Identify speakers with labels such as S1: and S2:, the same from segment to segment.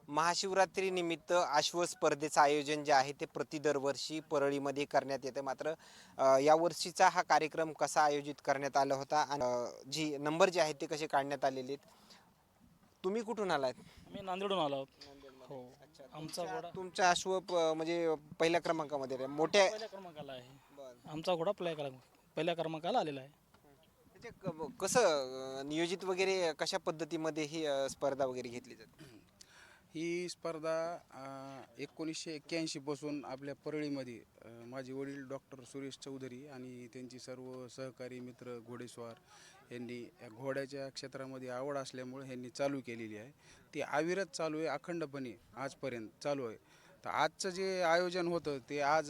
S1: महाशिवरात्री निमित्त आश्व स्पर्धेचं आयोजन जे आहे ते प्रति दरवर्षी परळीमध्ये करण्यात येतं. मात्र या वर्षीचा हा कार्यक्रम कसा आयोजित करण्यात आला होता आणि जी नंबर जे आहेत ते कसे काढण्यात आलेले आहेत. तुम्ही कुठून आलात?
S2: आम्ही नांदेडहून आलो आहोत.
S1: नांदेडमध्ये.
S2: हो.
S1: अच्छा,
S2: आमचा घोडा
S1: तुमचा अश्व म्हणजे पहिल्या क्रमांकामध्ये आहे. मोठ्या
S2: पहिल्या क्रमांकाला आहे.
S1: बरं.
S2: आमचा घोडा पहिल्या क्रमांकाला आलेला आहे.
S1: म्हणजे कसं नियोजित वगैरे कशा पद्धतीमध्ये ही स्पर्धा वगैरे घेतली जाते?
S3: ही स्पर्धा 1981 पासून आपल्या परळीमध्ये माझे वडील डॉक्टर सुरेश चौधरी आणि त्यांची सर्व सहकारी मित्र घोडेस्वार यांनी या घोड्याच्या क्षेत्रामध्ये आवड असल्यामुळे यांनी चालू केलेली आहे. ती अविरत चालू आहे, अखंडपणे आजपर्यंत चालू आहे. तर आजचं जे आयोजन होतं ते आज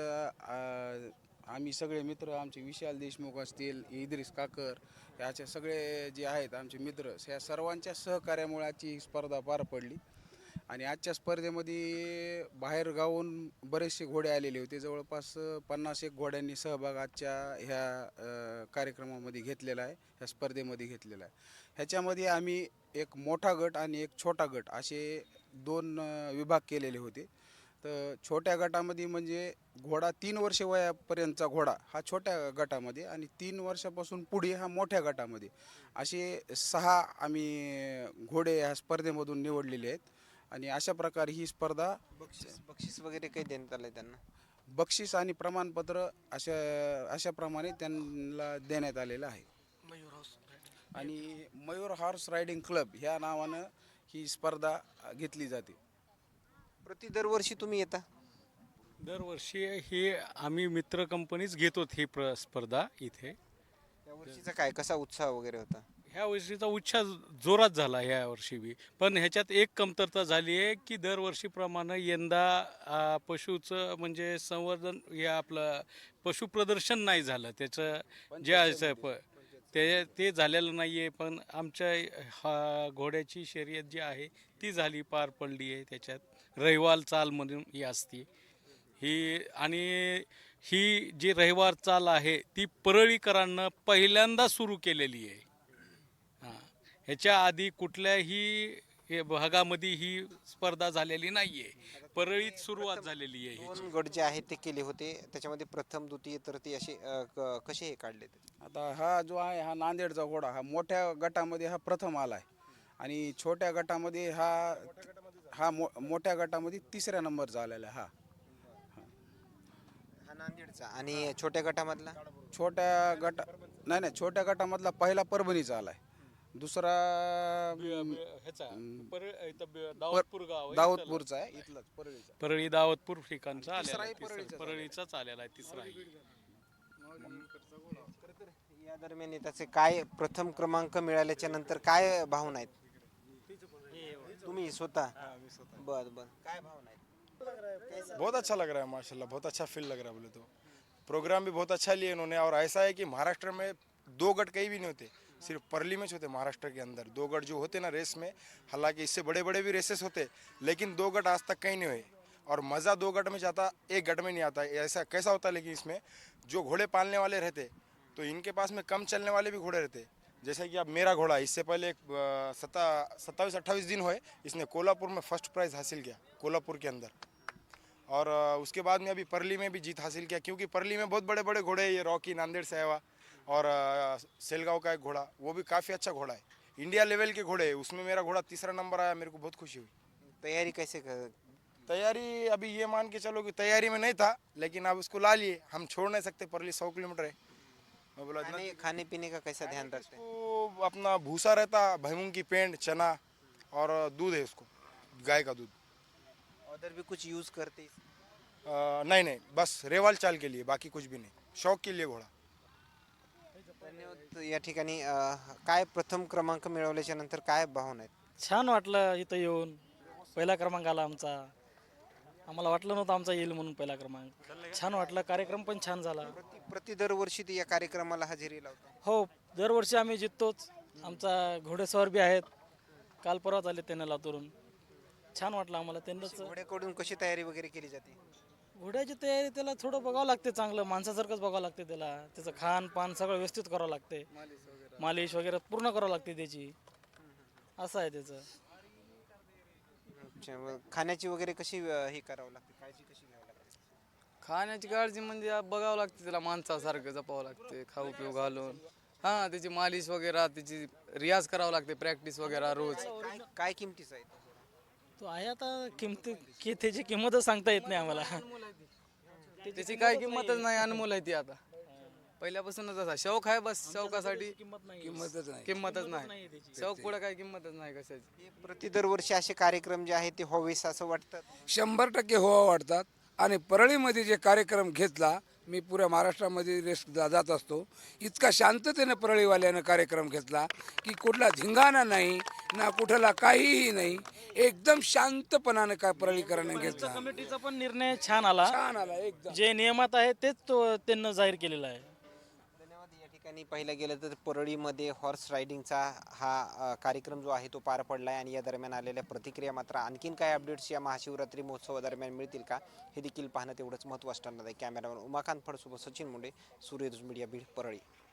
S3: आम्ही सगळे मित्र, आमचे विशाल देशमुख असतील, इद्रिस काकर, याचे सगळे जे आहेत आमचे मित्र, या सर्वांच्या सहकार्यामुळे आजची ही स्पर्धा पार पडली. आणि आजच्या स्पर्धेमध्ये बाहेर गावून बरेचसे घोडे आलेले होते. जवळपास 50 एक घोड्यांनी सहभाग आजच्या ह्या कार्यक्रमामध्ये घेतलेला आहे, ह्या स्पर्धेमध्ये घेतलेला आहे. ह्याच्यामध्ये आम्ही एक मोठा गट आणि एक छोटा गट असे दोन विभाग केलेले होते. तर छोट्या गटामध्ये म्हणजे घोडा 3 वर्ष वयापर्यंतचा घोडा हा छोट्या गटामध्ये आणि 3 वर्षापासून पुढे हा मोठ्या गटामध्ये, असे 6 आम्ही घोडे ह्या स्पर्धेमधून निवडलेले आहेत. आणि अशा प्रकारे ही स्पर्धा
S1: बक्षीस बक्षीस वगैरे काही देण्यात आलंय त्यांना?
S3: बक्षीस आणि प्रमाणपत्र अशाप्रमाणे त्यांना देण्यात आलेलं आहे. आणि मयूर हॉर्स रायडिंग क्लब ह्या नावानं ही स्पर्धा घेतली जाते.
S1: प्रति दरवर्षी तुम्ही येता?
S2: दरवर्षी ही आम्ही मित्र कंपनीच घेतो ही स्पर्धा इथे.
S1: या वर्षीचा काय कसा उत्साह वगैरे होता?
S2: ह्या वर्षीचा उत्साह जोरात झाला ह्या वर्षी बी. पण ह्याच्यात एक कमतरता झाली आहे की दरवर्षीप्रमाणे यंदा पशुचं म्हणजे संवर्धन हे आपलं पशु प्रदर्शन नाही झालं. त्याचं जे आहे ते झालेलं नाही आहे. पण आमच्या हा घोड्याची शर्यत जी आहे ती झाली, पार पडली आहे. त्याच्यात रहिवाल चाल म्हणून ही असते ही. आणि ही जी रहिवाल चाल आहे ती परळीकरांना पहिल्यांदा सुरू केलेली आहे. हां, ह्याच्या आधी कुठल्याही भागामध्ये ही स्पर्धा झालेली नाही आहे. परळीत सुरुवात झालेली आहे ह्याची.
S1: 2 गट जे आहेत ते केले होते. त्याच्यामध्ये प्रथम, द्वितीय, तृतीय असे कसे हे काढले ते?
S3: आता हा जो आहे हा नांदेडचा घोडा हा मोठ्या गटामध्ये हा प्रथम आला आहे. आणि छोट्या गटामध्ये मोठ्या गटामध्ये 3ऱ्या नंबरचा आलेला आहे हा.
S1: हा नांदेडचा. आणि छोट्या गटामधला?
S3: छोट्या गटा नाही नाही छोट्या गटामधला पहिला परभणीचा आला आहे. दुसरा
S2: ह्याचा दाऊदपूर गाव आहे.
S3: दाऊदपूरचा आहे, इथलाच परळीचा.
S2: परळी दाऊदपूर ठिकाणचा आलेला
S3: तिसराही
S2: आहे. परळीचाच आलेला आहे तिसराही.
S1: या दरम्यान त्याचे काय प्रथम क्रमांक मिळाल्याच्या नंतर काय भावना आहेत? तुम्ही स्वतः? बर बर, काय भावना आहेत?
S4: बहुत अच्छा लग रहा है माशाल्लाह, बहुत अच्छा फील लग रहा है बोले तो। प्रोग्राम भी बहुत अच्छा लिए इन्होंने। और ऐसा है कि महाराष्ट्र में 2 गट कहीं भी नहीं होते, सिर्फ परली में होते। महाराष्ट्र के अंदर 2 गट जो होते ना रेस में, हालांकि इससे बड़े बड़े भी रेसेस होते, लेकिन 2 गट आज तक कहीं नहीं हुए। और मज़ा 2 गट में जाता, 1 गट में नहीं आता। ऐसा कैसा होता है, लेकिन इसमें जो घोड़े पालने वाले रहते तो इनके पास में कम चलने वाले भी घोड़े रहते। जैसे कि अब मेरा घोड़ा, इससे पहले 27-28 दिन हुए, इसने कोल्हापुर में फर्स्ट प्राइज़ हासिल किया, कोल्हापुर के अंदर। और उसके बाद में अभी परली में भी जीत हासिल किया, क्योंकि परली में बहुत बड़े बड़े घोड़े हैं। ये रॉकी नांदेड़ से आया हुआ, और सेलगांव का एक घोड़ा, वो भी काफ़ी अच्छा घोड़ा है, इंडिया लेवल के घोड़े है। उसमें मेरा घोड़ा 3रा नंबर आया, मेरे को बहुत खुशी हुई।
S1: तयारी कैसे
S4: तैयारी अभी ये मान के चलो कि तैयारी में नहीं था, लेकिन अब उसको ला लिए। हम छोड़ नहीं सकते, परली 100 किलोमीटर है। मैं बोला इतना
S1: खाने पीने का कैसा ध्यान रखते हैं?
S4: उसको अपना भूसा रहता, भैंस की पेंड, चना और दूध है उसको, गाय का दूध।
S1: अदर भी कुछ यूज करते?
S4: नहीं नहीं, बस रेवाल चाल के लिए, बाकी कुछ भी नहीं, शौक के लिए घोड़ा।
S1: धन्यवाद. या ठिकाणी काय प्रथम क्रमांक मिळवल्याच्या नंतर काय भावना आहेत?
S2: छान वाटलं इथं येऊन. पहिला क्रमांक आला आमचा. आम्हाला वाटलं नव्हतं आमचा येईल म्हणून पहिला क्रमांक. छान वाटलं, कार्यक्रम पण छान झाला.
S1: प्रति दरवर्षी ते या कार्यक्रमाला हजेरी लावतो?
S2: हो, दरवर्षी आम्ही जिततोच. आमचा घोडेस्वार बी आहेत, काल परवाच आले त्यांना लातूरून. छान वाटलं आम्हाला त्यांनाच.
S1: घोड्याकडून कशी तयारी वगैरे केली जाते?
S2: घोड्याची तयारी त्याला थोडं बघावं लागते, चांगलं माणसासारखंच बघावं लागते त्याला. त्याचं खान पान सगळं व्यवस्थित करावं लागते, मालिश वगैरे पूर्ण करावं लागते त्याची. असं आहे त्याचं.
S1: अच्छा, मग खाण्याची वगैरे कशी हे करावं लागते, काळजी कशी घ्यावी लागते?
S5: खाण्याची काळजी म्हणजे बघावं लागते, त्याला माणसासारखं जपावं लागते, खाऊ पिऊ घालून. हां, त्याची मालिश वगैरे, त्याची रियाज करावं लागते, प्रॅक्टिस वगैरे रोज.
S1: काय काय किमतीचा आहे तो?
S6: तो आहे आता त्याची किंमतच सांगता येत नाही आम्हाला.
S5: त्याची काय किंमतच नाही, अनमोल आहे ती आता. पहिल्यापासूनच असा शौक आहे, बस शौकासाठी किंमतच नाही. शौक पुढे काय किंमतच नाही कशाची.
S1: हे प्रति दरवर्षी असे कार्यक्रम जे आहेत ते व्हावेस असं वाटतं.
S7: 100% व्हावा वाटतात. आणि परळीमध्ये जे कार्यक्रम घेतला, मी पुऱ्या महाराष्ट्रामध्ये जात असतो, इतका शांततेने परळीवाल्यानं कार्यक्रम घेतला की कुठला धिंगाणा नाही ना कुठला काहीही नाही, एकदम शांतपणाने काय परळीकरांनी घेतला.
S6: कमिटीचा पण निर्णय छान आला.
S7: छान आला एकदम.
S6: जे नियमात आहे तेच त्यांना जाहीर केलेलं आहे.
S1: धन्यवाद. या ठिकाणी पाहिलं गेलं तर परळीमध्ये हॉर्स रायडिंगचा हा कार्यक्रम जो आहे तो पार पडला आहे आणि या दरम्यान आलेल्या प्रतिक्रिया मात्र आणखीन काय अपडेट्स या महाशिवरात्री महोत्सवादरम्यान मिळतील का हे देखील पाहणं तेवढंच महत्त्वाचं ठरणार आहे. कॅमेरामॅन उमाकांत फडसोबत सचिन मुंडे, सूर्यदूत मीडिया बीड, परळी.